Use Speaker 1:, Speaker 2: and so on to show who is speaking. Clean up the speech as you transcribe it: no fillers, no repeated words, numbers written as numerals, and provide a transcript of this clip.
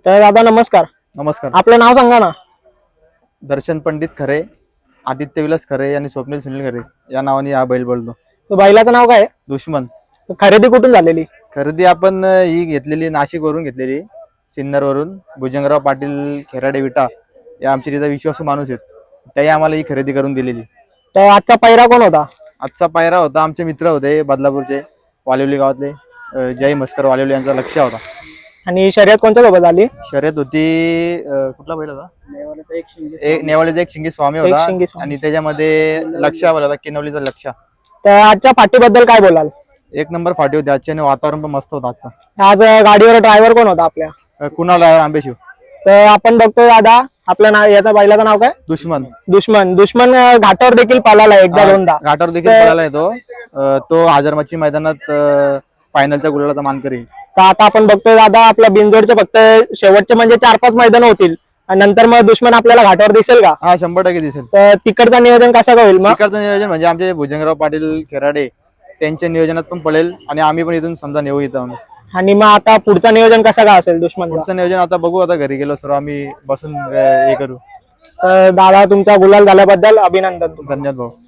Speaker 1: तर दादा नमस्कार.
Speaker 2: नमस्कार.
Speaker 1: आपलं नाव सांगा ना.
Speaker 2: दर्शन पंडित खरे, आदित्य विलास खरे आणि स्वप्नील सुनील खरे या नावाने हा बैल बोलतो.
Speaker 1: तर बैलाचं नाव काय आहे?
Speaker 2: दुश्मन.
Speaker 1: तर खरेदी कुठून झालेली?
Speaker 2: खरेदी आपण ही घेतलेली नाशिकवरून घेतलेली, सिन्नरवरून. भुजंगराव पाटील खेराडे विटा या आमचे तिथं विश्वासू माणूस आहेत, त्याही आम्हाला ही खरेदी करून दिलेली.
Speaker 1: तर आजचा पहिरा कोण होता?
Speaker 2: आजचा पायरा होता आमचे मित्र होते बदलापूरचे, वालिवली गावातले जय मस्कर वालिवली यांचा लक्ष होता.
Speaker 1: आणि शर्यत कोणत्या सोबत झाली?
Speaker 2: शर्यत होती कुठला बैल होता? नेवाळीचा एक शिंगी स्वामी
Speaker 1: एक
Speaker 2: होता
Speaker 1: शिंगी स्वामी.
Speaker 2: आणि त्याच्यामध्ये लक्षा होता, किनवलीचा लक्षा.
Speaker 1: तर आजच्या पाठीबद्दल काय बोलाल?
Speaker 2: एक नंबर फाटी होती आजची आणि वातावरण पण मस्त होतं आजचा.
Speaker 1: आज गाडीवर ड्रायव्हर कोण होता आपल्या?
Speaker 2: कुणाल आंबेशिव.
Speaker 1: तर आपण बघतोय दादा, आपलं नाव, याचा बैलाचं नाव काय?
Speaker 2: दुश्मन.
Speaker 1: दुश्मन घाटावर देखील पालाला एकदा दोनदा.
Speaker 2: घाटावर देखील पळाला येतो. तो हजारमाची मैदानात फायनलच्या गुलालाचा मानकरी.
Speaker 1: तर आता आपण बघतोय दादा, आपल्या बिनजोडचे फक्त शेवटचे म्हणजे 4-5 मैदान होतील आणि नंतर मग दुश्मन आपल्याला घाटावर दिसेल का?
Speaker 2: हा 100% दिसेल.
Speaker 1: तर तिकडचं नियोजन कसं होईल मग?
Speaker 2: तिकडचं नियोजन म्हणजे आमचे भुजंगराव पाटील खेराडे त्यांच्या नियोजनात पण पळेल आणि आम्ही पण इथून समजा नेऊ इथं.
Speaker 1: आणि मग आता पुढचं नियोजन कसं काय असेल दुश्मन?
Speaker 2: पुढचं नियोजन आता बघू, आता घरी गेलो सर्व आम्ही बसून हे करू.
Speaker 1: तर दादा, तुमचा गुलाल झाल्याबद्दल अभिनंदन.
Speaker 2: धन्यवाद भाऊ.